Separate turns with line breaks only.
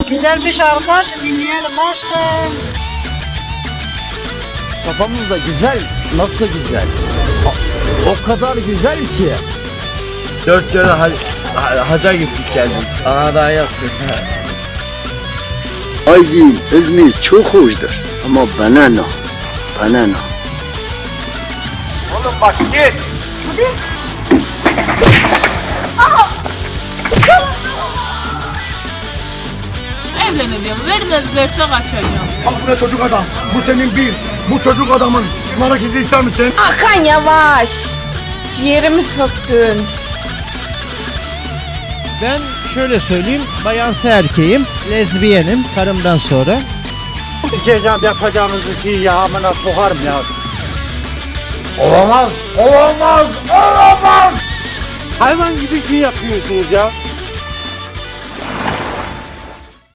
Güzel bir şarkı aç dinleyelim aşkım.
Kafamızda güzel, nasıl güzel? O kadar güzel ki.
4 kere haca gittik geldik. Ana daha yazmıyor.
Aydın, İzmir çok hoşdur ama bana ne? Bana ne?
Oğlum bak git.
Evleneceğim. Vermezlerse kaçacağım.
Bak bu ne çocuk adam. Bu senin bir. Bu çocuk adamın. Merak izi ister misin?
Hakan yavaş. Ciğerimi söktün.
Ben şöyle söyleyeyim, bayansı erkeğim, lezbiyenim karımdan sonra.
Sikeceğim yapacağınız şeyi ya, amına sokarım ya.
Olamaz. Olamaz. Olamaz.
Hayvan gibi şey yapıyorsunuz ya.